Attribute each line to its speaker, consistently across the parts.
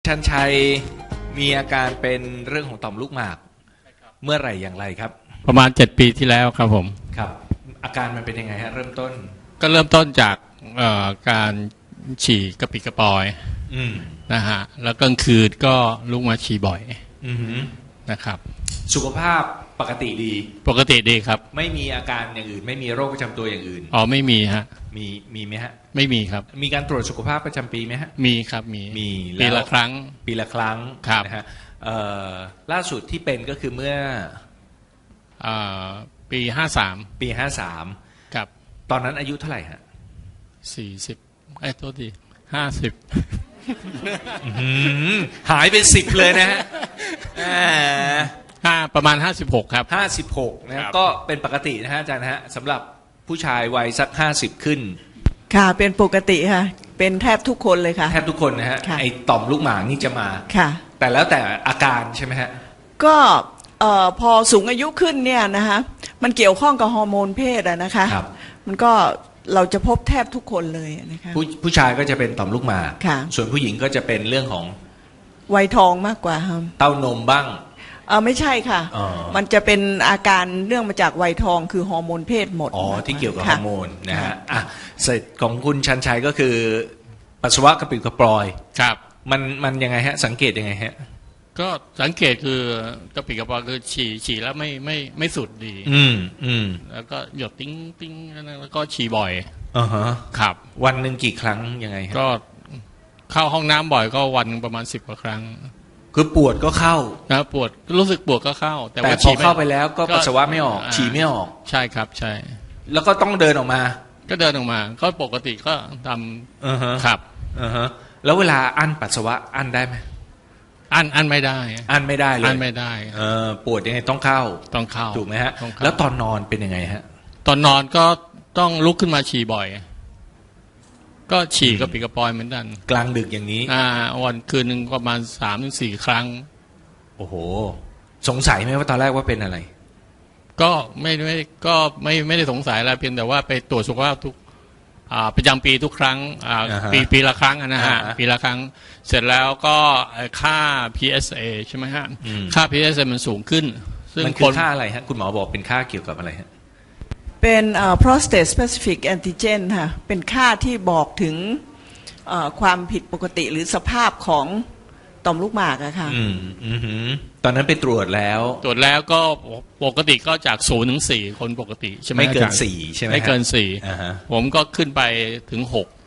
Speaker 1: ชันชัยมีอาการเป็นเรื่องของต่อมลูกหมากเมื่อไหร่อย่างไรครับ
Speaker 2: ประมาณ7 ปีที่แล้วครับผม
Speaker 1: ครับอาการมันเป็นยังไงฮะเริ่มต้น
Speaker 2: ก็เริ่มต้นจากการฉี่กระปิดกระปอยนะฮะแล้วกลางคืนก็ลุกมาฉี่บ่อยนะครับ
Speaker 1: สุขภาพปกติ
Speaker 2: ดีครับ
Speaker 1: ไม่มีอาการอย่างอื่นไม่มีโรคประจำตัวอย่างอื่น
Speaker 2: อ๋อไม่มีฮะ
Speaker 1: มีไหมฮะ
Speaker 2: ไม่มีครับ
Speaker 1: มีการตรวจสุขภาพประจำปีไหมฮะ
Speaker 2: มีครับมีปีละครั้ง
Speaker 1: ครับนะฮะล่าสุดที่เป็นก็คือเมื่อ
Speaker 2: ปี
Speaker 1: 53
Speaker 2: ครับ
Speaker 1: ตอนนั้นอายุเท่าไหร่ฮะ
Speaker 2: 40โทษที50
Speaker 1: หายไป10เลยนะฮะ
Speaker 2: ประมาณ56ครับ
Speaker 1: 56นะก็เป็นปกตินะฮะอาจารย์ฮะสำหรับผู้ชายวัยสัก50ขึ้น
Speaker 3: ค่ะเป็นปกติค่ะเป็นแทบทุกคนเลยค่ะ
Speaker 1: แทบทุกคนนะฮะไอ้ต่อมลูกหมากนี่จะมา
Speaker 3: ค่ะ
Speaker 1: แต่แล้วแต่อาการใช่ไหมฮะ
Speaker 3: ก็พอสูงอายุขึ้นเนี่ยนะคะมันเกี่ยวข้องกับฮอร์โมนเพศอะนะคะมันก็เราจะพบแทบทุกคนเลยนะคะ
Speaker 1: ผู้ชายก็จะเป็นต่อมลูกหมากส่วนผู้หญิงก็จะเป็นเรื่องของ
Speaker 3: วัยทองมากกว่าครับ
Speaker 1: เต้านมบ้าง
Speaker 3: ไม่ใช่ค่ะมันจะเป็นอาการเรื่องมาจากวัยทองคือฮอร์โมนเพศหมด
Speaker 1: ที่เกี่ยวกับฮอร์โมนนะฮะเสร็จของคุณชันชัยก็คือปัสสาวะกระปิดกระปอย
Speaker 2: ครับ
Speaker 1: มันยังไงฮะสังเกตยังไงฮะ
Speaker 2: ก็สังเกตคือกระปิดกระปอยคือฉี่แล้วไม่สุดดีแล้วก็หยดติ้งแล้วก็ฉี่บ่อยครับ
Speaker 1: วันหนึ่งกี่ครั้งยังไงฮะ
Speaker 2: ก็เข้าห้องน้ำบ่อยก็วันประมาณ10 กว่าครั้ง
Speaker 1: คือปวดก็เข้า
Speaker 2: นะปวดรู้สึกปวดก็เข้า
Speaker 1: แต่พอเข้าไปแล้วก็ปัสสาวะไม่ออกฉี่ไม่ออก
Speaker 2: ใช่ครับใช่
Speaker 1: แล้วก็ต้องเดินออกมา
Speaker 2: ก็ปกติก็ทำครับ
Speaker 1: แล้วเวลาอั้นปัสสาวะอั้นได้ไหม
Speaker 2: อั้นไม่ได้เลย
Speaker 1: อั้นไม่ได้ปวดยังไงต้องเข้าถูกไหมฮะแล้วตอนนอนเป็นยังไงฮะ
Speaker 2: ตอนนอนก็ต้องลุกขึ้นมาฉี่บ่อยก็ฉี่กระปิดกระปอยเหมือนกัน
Speaker 1: กลางดึกอย่างนี้
Speaker 2: วันคืนหนึ่งประมาณ3-4 ครั้ง
Speaker 1: โอ้โหสงสัยไหมว่าตอนแรกว่าเป็นอะไร
Speaker 2: ก็ไม่ได้สงสัยอะไรเพียงแต่ว่าไปตรวจสุขภาพทุกประจำปีทุกครั้งปีละครั้งนะฮะปีละครั้งเสร็จแล้วก็ค่า PSA ใช่ไหมฮะค่า PSA มันสูงขึ้น
Speaker 1: ซึ่งมันคือค่าอะไรฮะคุณหมอบอกเป็นค่าเกี่ยวกับอะไรฮะ
Speaker 3: เป็นprostate specific antigen ค่ะเป็นค่าที่บอกถึงความผิดปกติหรือสภาพของต่อมลูกหมากอะค่ะ
Speaker 1: ตอนนั้นไปตรวจแล้ว
Speaker 2: ก็ปกติก็จาก0 ถึง 4คนปกติใช่ไหม
Speaker 1: ไม่เกิน4ใช่ไหม
Speaker 2: ไม่เกิน4ผมก็ขึ้นไปถึง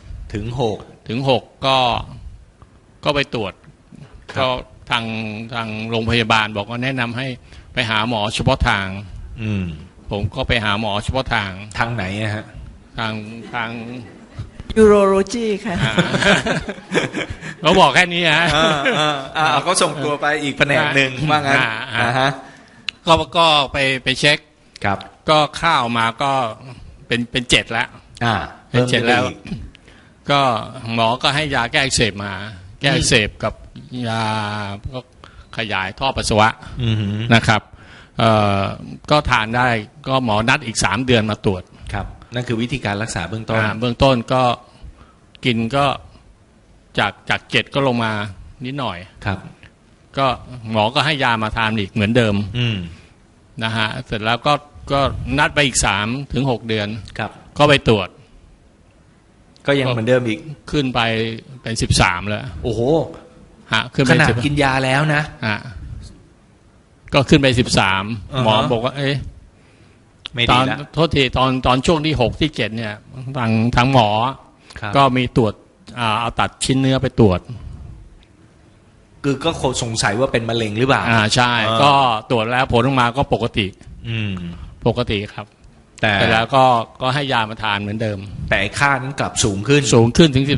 Speaker 2: 6ก็ไปตรวจก็ทางโรงพยาบาลบอกว่าแนะนำให้ไปหาหมอเฉพาะทางผมก็ไปหาหมอเฉพาะทาง
Speaker 1: ไหนฮะ
Speaker 2: ทาง
Speaker 3: urology ค่ะ
Speaker 2: เขาบอกแค่นี้ฮะ
Speaker 1: เขาส่งตัวไปอีกแผนกหนึ่งว่างั้น
Speaker 2: ก็ไปเช็ค
Speaker 1: ครับ
Speaker 2: ก็ข้าวมาก็เป็น7แล้วเป็น7แล้วก็หมอก็ให้ยาแก้อักเสบมาแก้อักเสบกับยาก็ขยายท่อปัสสาวะนะครับก็ทานได้ก็หมอนัดอีก3 เดือนมาตรวจ
Speaker 1: ครับนั่นคือวิธีการรักษาเบื้อง
Speaker 2: ต้นก็กินก็จาก7ก็ลงมานิดหน่อย
Speaker 1: ครับ
Speaker 2: ก็หมอก็ให้ยามาทานอีกเหมือนเดิมนะฮะเสร็จแล้วก็นัดไปอีก3 ถึง 6 เดือน
Speaker 1: ครับ
Speaker 2: ก็ไปตรวจ
Speaker 1: ก็ยังเหมือนเดิมอีก
Speaker 2: ขึ้นไปเป็น13แล้ว
Speaker 1: โอ้โห
Speaker 2: ขึ้นไป
Speaker 1: ขนาดกินยาแล้วนะ
Speaker 2: ก็ขึ้นไป13หมอบอกว่าตอนโทษทีตอนช่วงที่6 ที่ 7เนี่ยทางหมอก็มีตรวจเอาตัดชิ้นเนื้อไปตรวจ
Speaker 1: คือก็สงสัยว่าเป็นมะเร็งหรือเปล่า
Speaker 2: ใช่ก็ตรวจแล้วผลออกมาก็ปกติครับแต่แล้วก็ให้ยามาทานเหมือนเดิม
Speaker 1: แต่ค่านั้นกลับสูงขึ้น
Speaker 2: ถึง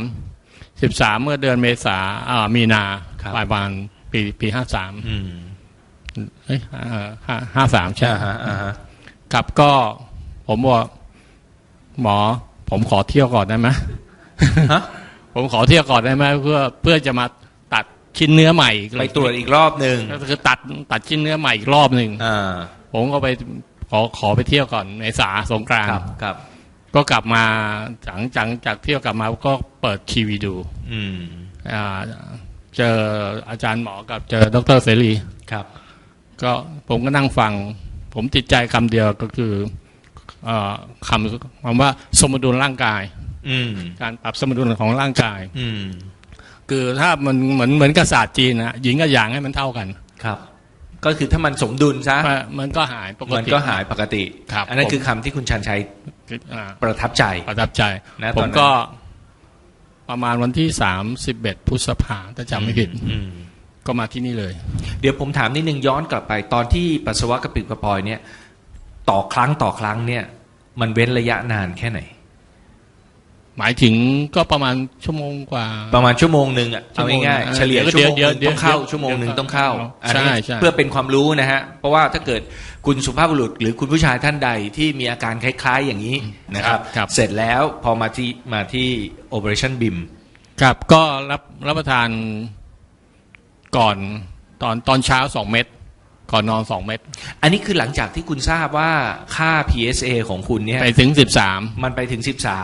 Speaker 2: 13เมื่อเดือนเมษามีนาปลายวันปี5353ใช่ครับก็ผมบอกหมอผมขอเที่ยวก่อนได้ไหมผมขอเที่ยวก่อนได้ไหมเพื่อจะมาตัดชิ้นเนื้อใหม่
Speaker 1: ไปตรวจอีกรอบหนึ่ง
Speaker 2: ก็คือตัดชิ้นเนื้อใหม่อีกรอบหนึ่งผมก็ไปขอไปเที่ยวก่อนในสงกรานต์ก็กลับมาหลังจากเที่ยวกลับมาก็เปิดทีวีดูเจออาจารย์หมอกับเจอดร.เสรี
Speaker 1: ครับ
Speaker 2: ก็ผมก็นั่งฟังผมติดใจคำเดียวก็คือคำว่าสมดุลร่างกายการปรับสมดุลของร่างกายคือถ้ามันเหมือนกับศาสตร์จีนนะหญิงกับหยางให้มันเท่ากันครับ
Speaker 1: ก็คือถ้ามันสมดุลซะ
Speaker 2: มันก็หายปกติ
Speaker 1: มันก็หายปกติอันนั้นคือคำที่คุณชันชัยประทับใจ
Speaker 2: นะผมก็ประมาณวันที่31 พฤษภาคมถ้าจำไม่ผิดก็มาที่นี่เลย
Speaker 1: เดี๋ยวผมถามนิดนึงย้อนกลับไปตอนที่ปัสสาวะกระปิดกระปอยเนี่ยต่อครั้งเนี่ยมันเว้นระยะนานแค่ไหน
Speaker 2: หมายถึงก็ประมาณชั่วโมงกว่า
Speaker 1: ประมาณชั่วโมงนึงอ่ะเอาง่ายๆเฉลี่ยชั่วโมงต้องเข้าชั่วโมงนึงต้องเข้า
Speaker 2: ใช่
Speaker 1: เพื่อเป็นความรู้นะฮะเพราะว่าถ้าเกิดคุณสุภาพบุรุษหรือคุณผู้ชายท่านใดที่มีอาการคล้ายๆอย่างนี้นะครับเสร็จแล้วพอมาที่ Operation BIM
Speaker 2: ครับก็รับประทานก่อนตอนเช้า2 เม็ดก่อนนอน2 เม็ด
Speaker 1: อันนี้คือหลังจากที่คุณทราบว่าค่า PSA ของคุณเนี่ย
Speaker 2: ไปถึง13
Speaker 1: มันไปถึง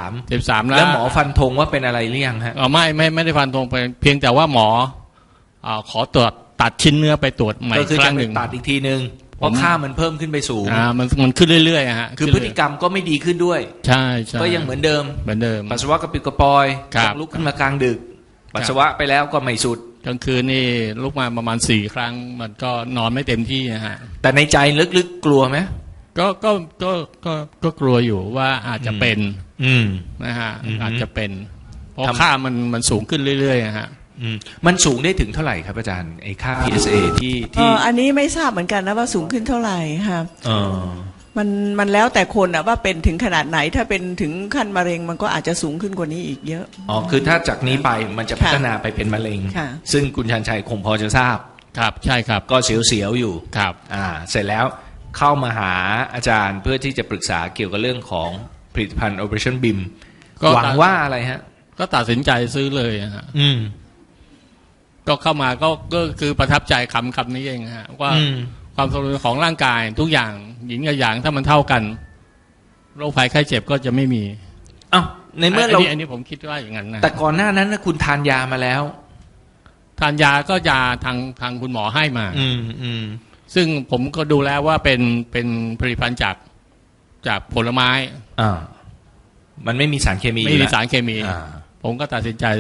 Speaker 1: 13
Speaker 2: แล้ว
Speaker 1: หมอฟันธงว่าเป็นอะไรหรือยังฮะ
Speaker 2: ไม่ได้ฟันธงไปเพียงแต่ว่าหมอขอตรวจตัดชิ้นเนื้อไปตรวจใหม่ครั้งหนึ่ง
Speaker 1: ตัดอีกทีนึงเพราะค่ามันเพิ่มขึ้นไปสูง
Speaker 2: มันขึ้นเรื่อยๆฮะ
Speaker 1: คือพฤติกรรมก็ไม่ดีขึ้นด้วย
Speaker 2: ใช่
Speaker 1: ก็ยังเหมือนเดิมปัสสาวะกระปิดกระปอยลุกขึ้นมากลางดึกปัสสาวะไปแล้วก็ไม่สุด
Speaker 2: กลางคืนนี่ลุกมาประมาณ4 ครั้งมันก็นอนไม่เต็มที่นะฮะ
Speaker 1: แต่ในใจลึกๆกลัวไหม
Speaker 2: ก็กลัวอยู่ว่าอาจจะเป็นนะฮะอาจจะเป็นเพราะค่ามันสูงขึ้นเรื่อยๆฮะ
Speaker 1: มันสูงได้ถึงเท่าไหร่ครับอาจารย์ไอ้ค่า PSA ที่
Speaker 3: อันนี้ไม่ทราบเหมือนกันนะว่าสูงขึ้นเท่าไหร่ครับมันแล้วแต่คนอะว่าเป็นถึงขนาดไหนถ้าเป็นถึงขั้นมะเร็งมันก็อาจจะสูงขึ้นกว่านี้อีกเยอะ
Speaker 1: คือถ้าจากนี้ไปมันจะพัฒนาไปเป็นมะเร็งซึ่งคุณชันชัยคงพอจะทราบ
Speaker 2: ครับใช่ครับ
Speaker 1: ก็เสียวๆอยู่
Speaker 2: ครับ
Speaker 1: เสร็จแล้วเข้ามาหาอาจารย์เพื่อที่จะปรึกษาเกี่ยวกับเรื่องของผลิตภัณฑ์ Operation BIM หวังว่าอะไรฮะ
Speaker 2: ก็ตัดสินใจซื้อเลยฮะก็เข้ามาก็คือประทับใจคำนี้เองฮะว่าความสมดุลของร่างกายทุกอย่างหญิงกับหยางถ้ามันเท่ากันโรคภัยไข้เจ็บก็จะไม่มี
Speaker 1: ในเมื่อเรา
Speaker 2: อันนี้ผมคิดว่าอย่างนั้นนะ
Speaker 1: แต่ก่อนหน้านั้นนะคุณทานยามาแล้ว
Speaker 2: ทานยาก็ยาทางคุณหมอให้มาซึ่งผมก็ดูแล้วว่าเป็นผลิตภัณฑ์จากผลไม้
Speaker 1: มันไม่มีสารเคมี
Speaker 2: ไม่มีสารเคมีผมก็ตัดสินใจ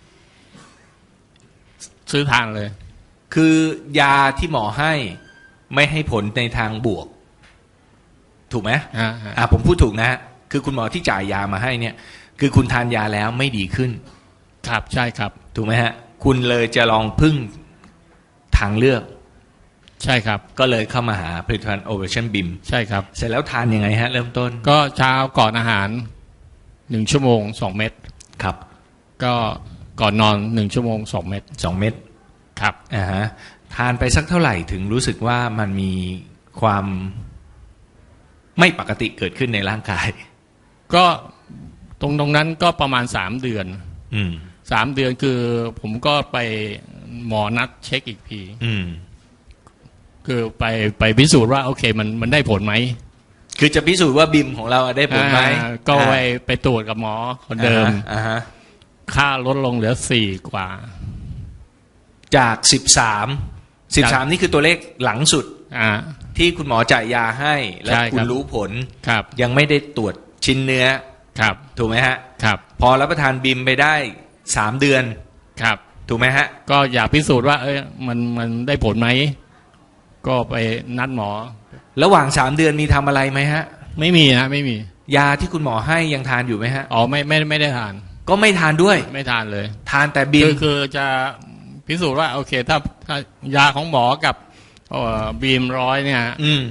Speaker 2: ซื้อทานเลย
Speaker 1: คือยาที่หมอให้ไม่ให้ผลในทางบวกถูกไหมผมพูดถูกนะคือคุณหมอที่จ่ายยามาให้เนี่ยคือคุณทานยาแล้วไม่ดีขึ้น
Speaker 2: ครับใช่ครับ
Speaker 1: ถูกไหมฮะคุณเลยจะลองพึ่งทางเลือก
Speaker 2: ใช่ครับ
Speaker 1: ก็เลยเข้ามาหาผลิตภัณฑ์ Operation BIM
Speaker 2: ใช่ครับ
Speaker 1: เสร็จแล้วทานยังไงฮะเริ่มต้น
Speaker 2: ก็เช้าก่อนอาหาร1 ชั่วโมง2 เม็ด
Speaker 1: ครับ
Speaker 2: ก็ก่อนนอน1 ชั่วโมง2 เม็ด
Speaker 1: 2 เม็ด
Speaker 2: ครับ
Speaker 1: ทานไปสักเท่าไหร่ถึงรู้สึกว่ามันมีความไม่ปกติเกิดขึ้นในร่างกาย
Speaker 2: ก็ตรงนั้นก็ประมาณ3 เดือน3 เดือนคือผมก็ไปหมอนัดเช็คอีกทีคือไปพิสูจน์ว่าโอเคมันได้ผลไหม
Speaker 1: คือจะพิสูจน์ว่าบิมของเราได้ผลไหม
Speaker 2: ก็ไปตรวจกับหมอคนเดิมค่าลดลงเหลือ4 กว่า
Speaker 1: จาก13นี่คือตัวเลขหลังสุดที่คุณหมอจ่ายยาให้และคุณรู้ผลยังไม่ได้ตรวจชิ้นเนื้อถูกไหมฮะพอรับประทานบิมไปได้3 เดือนถูกไหมฮะ
Speaker 2: ก็อยากพิสูจน์ว่ามันได้ผลไหมก็ไปนัดหมอ
Speaker 1: ระหว่าง3 เดือนมีทำอะไรไหมฮะ
Speaker 2: ไม่มีฮะไม่มี
Speaker 1: ยาที่คุณหมอให้ยังทานอยู่ไหมฮะ
Speaker 2: ไม่ได้ทาน
Speaker 1: ก็ไม่ทานด้วย
Speaker 2: ไม่ทานเลย
Speaker 1: ทานแต่บิม
Speaker 2: คือจะพิสูจน์ว่าโอเคถ้ายาของหมอกับบีม100เนี่ย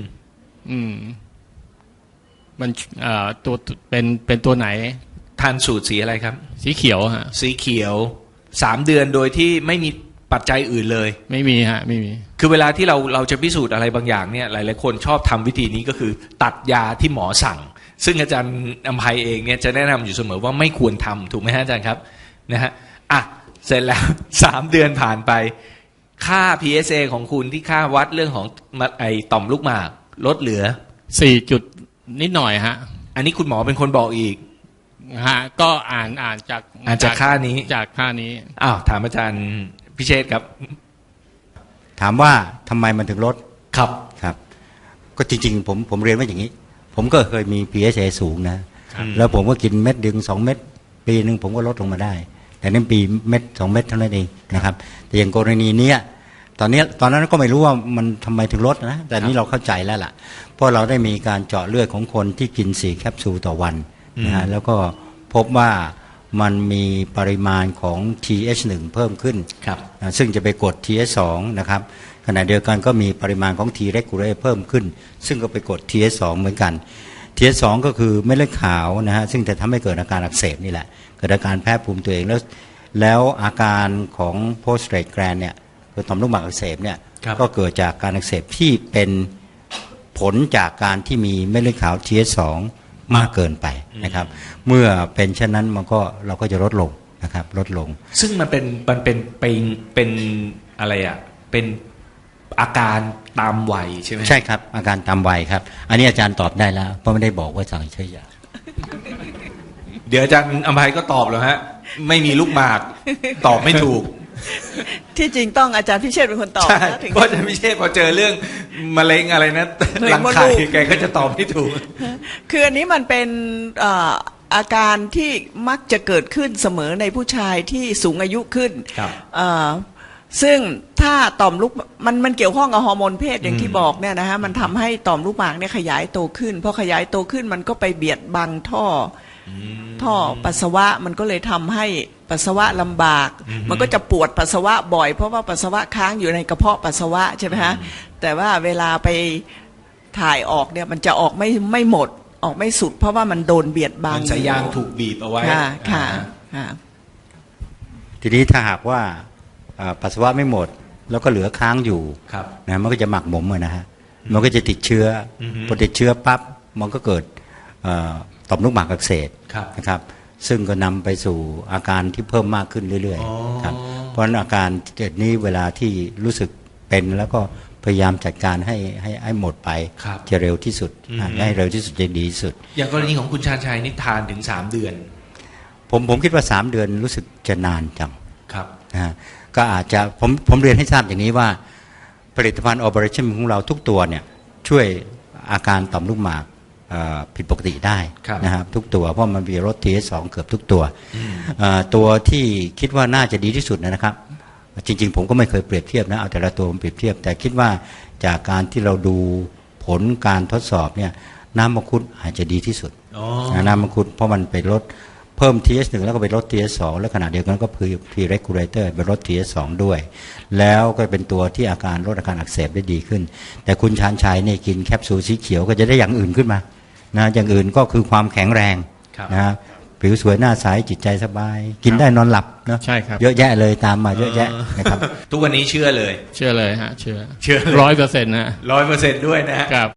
Speaker 2: มันตัวเป็นตัวไหน
Speaker 1: ทานสูตรสีอะไรครับ
Speaker 2: สีเขียวฮะ
Speaker 1: สีเขียว3 เดือนโดยที่ไม่มีปัจจัยอื่นเลย
Speaker 2: ไม่มีฮะไม่มี
Speaker 1: คือเวลาที่เราจะพิสูจน์อะไรบางอย่างเนี่ยหลายๆคนชอบทำวิธีนี้ก็คือตัดยาที่หมอสั่งซึ่งอาจารย์อภัยเองเนี่ยจะแนะนำอยู่เสมอว่าไม่ควรทำถูกไหมฮะอาจารย์ครับนะฮะเสร็จแล้ว3 เดือนผ่านไปค่า PSA ของคุณที่ค่าวัดเรื่องของไอต่อมลูกหมากลดเหลือ
Speaker 2: 4 จุดนิดหน่อยฮะ
Speaker 1: อันนี้คุณหมอเป็นคนบอกอีก
Speaker 2: ฮะก็อ่านจาก
Speaker 1: ค่านี้
Speaker 2: จากค่านี้
Speaker 1: ถามอาจารย์พิเชษครับ
Speaker 4: ถามว่าทำไมมันถึงลด
Speaker 1: ครับ
Speaker 4: ครับก็จริงๆผมเรียนว่าอย่างนี้ ผมก็เคยมี PSA สูงนะแล้วผมก็กินเม็ดดึง2 เม็ดปีหนึ่งผมก็ลดลงมาได้ แต่นั่นปีเม็ด2 เม็ดเท่านั้นเองนะครับแต่อย่างกรณีเนี้ยตอนนั้นก็ไม่รู้ว่ามันทำไมถึงลดนะแต่นี้เราเข้าใจแล้วล่ะเพราะเราได้มีการเจาะเลือดของคนที่กิน4 แคปซูลต่อวันนะฮะแล้วก็พบว่ามันมีปริมาณของ TH1 เพิ่มขึ้นซึ่งจะไปกด TH2 นะครับขณะเดียวกันก็มีปริมาณของ T regulator เพิ่มขึ้นซึ่งก็ไปกด TH2 เหมือนกัน TH2 ก็คือเม็ดเลือดขาวนะฮะซึ่งจะทำให้เกิดอาการอักเสบนี่แหละเกิดอาการแพ้ภูมิตัวเองแล้วอาการของ prostate gland เนี่ยคือต่อมลูกหมากอักเสบเนี่ยก็เกิดจากการอักเสบที่เป็นผลจากการที่มีเม็ดเลือดขาว TH2 มากเกินไปนะครับเมื่อเป็นเช่นนั้นเราก็จะลดลงนะครับลดลง
Speaker 1: ซึ่งมันเป็นอะไรอ่ะเป็นอาการตามวัยใช่ไหม
Speaker 4: ใช่ครับอาการตามวัยครับอันนี้อาจารย์ตอบได้แล้วเพราะไม่ได้บอกว่าสั่งใช้ยา
Speaker 1: เดี๋ยวอาจารย์อภัยก็ตอบแล้วฮะไม่มีลูกหมากตอบไม่ถูก
Speaker 3: ที่จริงต้องอาจารย์พิเชษเป็นคนตอบ
Speaker 1: นะเพราะอาจารย์พิเชษพอเจอเรื่องมะเร็งอะไรนะรังไข่แกก็จะตอบไม่ถูก
Speaker 3: คืออันนี้มันเป็นอาการที่มักจะเกิดขึ้นเสมอในผู้ชายที่สูงอายุขึ้นซึ่งถ้าต่อมลูกมันเกี่ยวข้องกับฮอร์โมนเพศอย่างที่บอกเนี่ยนะฮะมันทำให้ต่อมลูกหมากเนี่ยขยายโตขึ้นพอขยายโตขึ้นมันก็ไปเบียดบังท่อปัสสาวะมันก็เลยทำให้ปัสสาวะลำบากมันก็จะปวดปัสสาวะบ่อยเพราะว่าปัสสาวะค้างอยู่ในกระเพาะปัสสาวะใช่ไหมฮะแต่ว่าเวลาไปถ่ายออกเนี่ยมันจะออกไม่หมดออกไม่สุดเพราะว่ามันโดนเบียดบัง
Speaker 1: สายยางถูกบีบเอาไว้
Speaker 3: ค่ะ
Speaker 4: ทีนี้ถ้าหากว่าปัสสาวะไม่หมดแล้วก็เหลือค้างอยู่นะมันก็จะหมักหมมนะฮะมันก็จะติดเชื้อพอติดเชื้อปั๊บมันก็เกิดต่อมลูกหมากอักเสบนะครับซึ่งก็นำไปสู่อาการที่เพิ่มมากขึ้นเรื่อยๆครับเพราะฉะนั้นอาการเกิดนี้เวลาที่รู้สึกเป็นแล้วก็พยายามจัดการให้หมดไปจะเร็วที่สุดให้เร็วที่สุดจะดีที่สุด
Speaker 1: อย่างกรณีของคุณชาญชัยนี่ทานถึง3 เดือน
Speaker 4: ผมคิดว่า3 เดือนรู้สึกจะนานจังนะก็อาจจะผมเรียนให้ทราบอย่างนี้ว่าผลิตภัณฑ์ Operation ของเราทุกตัวเนี่ยช่วยอาการต่อมลูกหมากผิดปกติได้นะครับทุกตัวเพราะมันมีลด TH2 เกือบทุกตัวตัวที่คิดว่าน่าจะดีที่สุดนะครับจริงๆผมก็ไม่เคยเปรียบเทียบนะเอาแต่ละตัวมาเปรียบเทียบแต่คิดว่าจากการที่เราดูผลการทดสอบเนี่ยน้ำมังคุดอาจจะดีที่สุดน้ำมังคุดเพราะมันไปลดเพิ่ม TH1 แล้วก็ไปลด TH2 แล้วขณะเดียวกันก็คือ T regulator ไปลด TH2 ด้วยแล้วก็เป็นตัวที่อาการลดอาการอักเสบได้ดีขึ้นแต่คุณชาญชัยเนี่ยกินแคปซูลสีเขียวก็จะได้อย่างอื่นขึ้นมานะอย่างอื่นก็คือความแข็งแรงนะผิวสวยหน้าใสจิตใจสบายกินได้นอนหลับเนาะ
Speaker 2: ใช่ครับ
Speaker 4: เยอะแยะเลยตามมาเยอะแยะนะครับ
Speaker 1: ทุกวันนี้เชื่อเลย
Speaker 2: ฮะเชื่อ100%นะ
Speaker 1: 100%ด้วยนะครับ